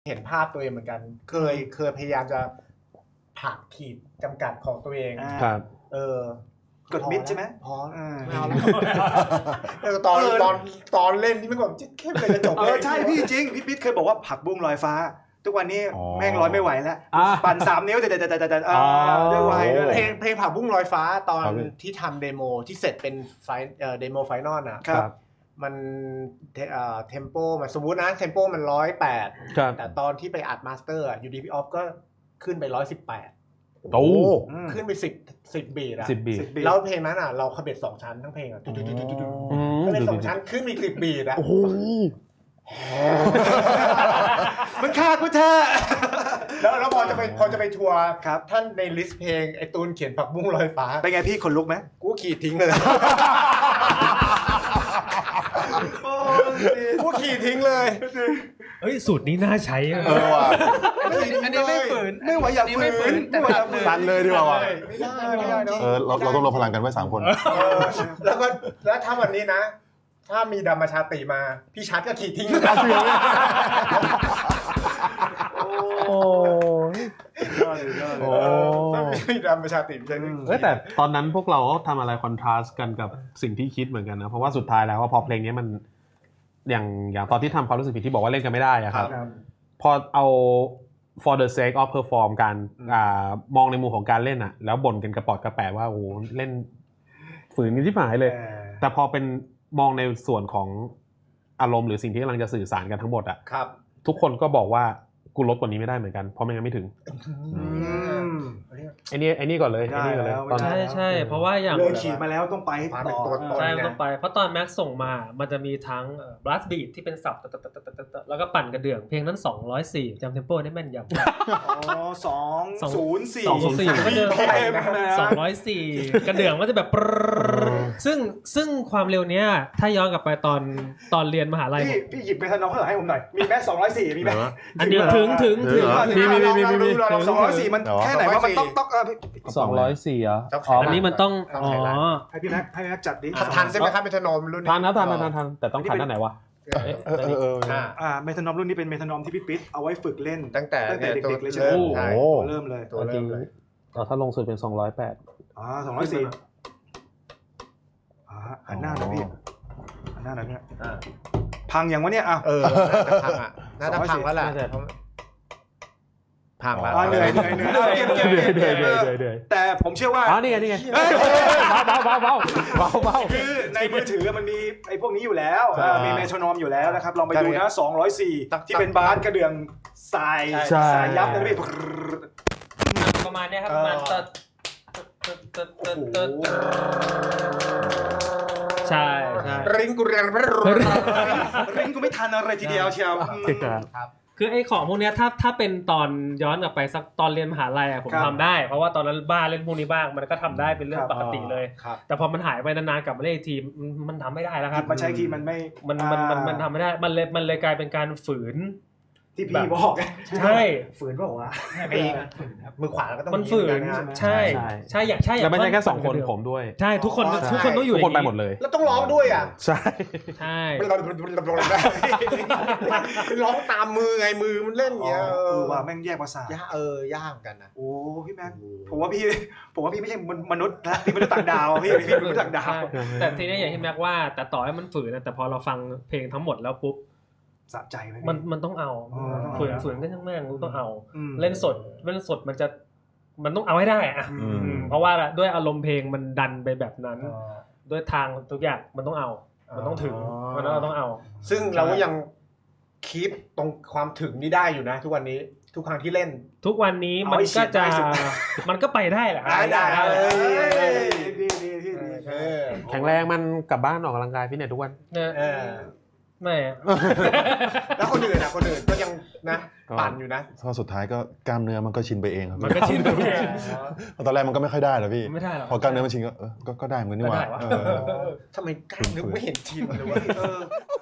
เห็นภาพตัวเองเหมือนกันเคยพยายามจะผลักขีดจำกัดของตัวเองครับกดมิดใช่ไหมพอไม่เอาแล้วตอนเล่นนี่มันแบบเข้มเลยจะจบใช่พี่จริงพี่ปิ๊ดเคยบอกว่าผักบุ้งลอยฟ้าทุกวันนี้แม่งลอยไม่ไหวแล้วปั่น3 นิ้วแต่ด้วยวัยด้วยเพลงผักบุ้งลอยฟ้าตอนที่ทำเดโมที่เสร็จเป็นเดโมไฟนอลนะครับมันเทมโปมันสมมุตินะเทมโปมัน108แต่ตอนที่ไปอัดมาสเตอร์อยู่ดีพี่ออฟก็ขึ้นไป118 โอ้ขึ้นไป10บีทอะ 10 บีทแล้วเพลงนั้นอะเราขบเบ็ด2ชั้นทั้งเพลงอะขบเบ็ด2ชั้นขึ้นมี10บีทอะโอ้โหมันฆ่ากูเธอแล้วพอจะไปทัวร์ครับท่านในลิสต์เพลงไอ้ตูนเขียนผักบุ้งลอยฟ้าเป็นไงพี่ขนลุกไหมกูขีดทิ้งเลยกูขีดทิ้งเลยเฮ้ยสูตรนี้น่าใช้ว่ะอันนี้ไม่ฝืนไม่ไหวอยากฝืนแต่ตันเลยดีกว่าไม่ได้เนาะเราต้องรวมพลังกันไว้3 คนแล้วถ้าวันนี้นะถ้ามีดัมมาชาติมาพี่ชัดก็ขีดทิ้งเลยโอ้มีดัมมาชาติใช่ไหมแต่ตอนนั้นพวกเราก็ทำอะไรคอนทราสต์กันกับสิ่งที่คิดเหมือนกันนะเพราะว่าสุดท้ายแล้วว่าพอเพลงนี้มันอย่างตอนที่ทำความรู้สึกผิดที่บอกว่าเล่นกันไม่ได้อะครับพอเอา for the sake of perform การมองในมุมของการเล่นอะแล้วบ่นกันกระปอดกระแปะว่าโอ้เล่นฝืนกันที่หายเลยแต่พอเป็นมองในส่วนของอารมณ์หรือสิ่งที่กำลังจะสื่อสารกันทั้งหมดอะทุกคนก็บอกว่ากูลดกว่านี้ไม่ได้เหมือนกันเพราะไม่งั้นไม่ถึงไอ้นี่ก่อนเลยใช่เพราะว่าอย่างเลยขีดมาแล้วต้องไปต่อใช่ต้องไปเพราะตอนแม็กส่งมามันจะมีทั้งblast beat ที่เป็นสับแล้วก็ปั่นกระเดื่องเพลงนั้น204จำเทมโปได้แม่นยำ 204 ก็จะ204กระเดื่องมันจะแบบซึ่งความเร็วเนี้ยถ้าย้อนกลับไปตอนเรียนมหาลัยพี่หยิบเมทานอลข้างหลังให้ผมหน่อยมีแม็ก204มีไหมอันนี้ถึงมี204มันแค่ไหนว่ามันต้อง 204อ่ะอันนี้มันต้องให้พี่แม็กจัดดิทันใช่ไหมครับเมทานอมรุ่นทันแต่ต้องทันด้านไหนวะเมทานอมรุ่นนี้เป็นเมทานอมที่พี่ปิ๊ดเอาไว้ฝึกเล่นตั้งแต่เด็กๆเลยใช่ไหมเริ่มเลยถ้าลงสุดเป็น208 204หันหน้าหน่อยพี่หันหน้าหน่อยเนี่ยพังอย่างวะเนี่ยพังน่าจะพังแล้วแหละพังแล้วเหนื่อยแต่ผมเชื่อว่านี่ไงเบาคือในมือถือมันมีไอ้พวกนี้อยู่แล้วมีเมทานอมอยู่แล้วนะครับลองไปดูนะ204ที่เป็นบาสกระเดื่องสายยับนะพี่ประมาณนี้ครับประมาณใช่ริงกูเรียนริงกูไม่ทันอะไรทีเดียวเชียวครับคือไอ้ของพวกนี้ถ้าเป็นตอนย้อนกลับไปสักตอนเรียนมหาลัยผมทำได้เพราะว่าตอนนั้นบ้าเล่นพวกนี้บ้างมันก็ทำได้เป็นเรื่องปกติเลยแต่พอมันหายไปนานๆกลับมาเล่นทีมันทำไม่ได้แล้วครับมันใช้ทีมันไม่มันทำไม่ได้มันเลยกลายเป็นการฝืนที่พี่บอกใช่ฝืนบอกว่ามือขวาก็ต้องมันฝืนใช่แล้วไม่ใช่แค่2 คนผมด้วยใช่ทุกคนต้องอยู่ทุกคนไปหมดเลยแล้วต้องร้องด้วยอ่ะใช่ร้องตามมือไงมือมันเล่นเงี้ยว่าแม่งแยกภาษยากกันนะโอ้พี่แม็กผมว่าพี่ไม่ใช่มนุษย์นะพี่มนุษย์ต่างดาวพี่มนุษย์ต่างดาวแต่ทีนี้อย่างที่แม็กว่าแต่ต่อให้มันฝืนนะแต่พอเราฟังเพลงทั้งหมดแล้วปุ๊บสะใจไหมมันต้องเอาฝืนก็ช่างแม่งต้องเอาเล่นสดมันต้องเอาให้ได้อะเพราะว่าด้วยอารมณ์เพลงมันดันไปแบบนั้นด้วยทางทุกอย่างมันต้องเอามันต้องถึงมันต้องเอาซึ่งเราก็ยังคีปตรงความถึงนี่ได้อยู่นะทุกวันนี้ทุกครั้งที่เล่นทุกวันนี้มันก็ไปได้แหละได้แข็งแรงมันกลับบ้านออกกำลังกายฟิตเนสทุกวันไม่แล้วคนอื่นก็ยังนะปั่นอยู่นะพอสุดท้ายก็กล้ามเนื้อมันก็ชินไปเองครับมันก็ชินไปเองตอนแรกมันก็ไม่ค่อยได้หรอกพี่ไม่ได้หรอกพอกล้ามเนื้อมันชินก็ได้เหมือนกันนี่หว่าทำไมกล้ามเนื้อไม่เห็นชินเลยวะ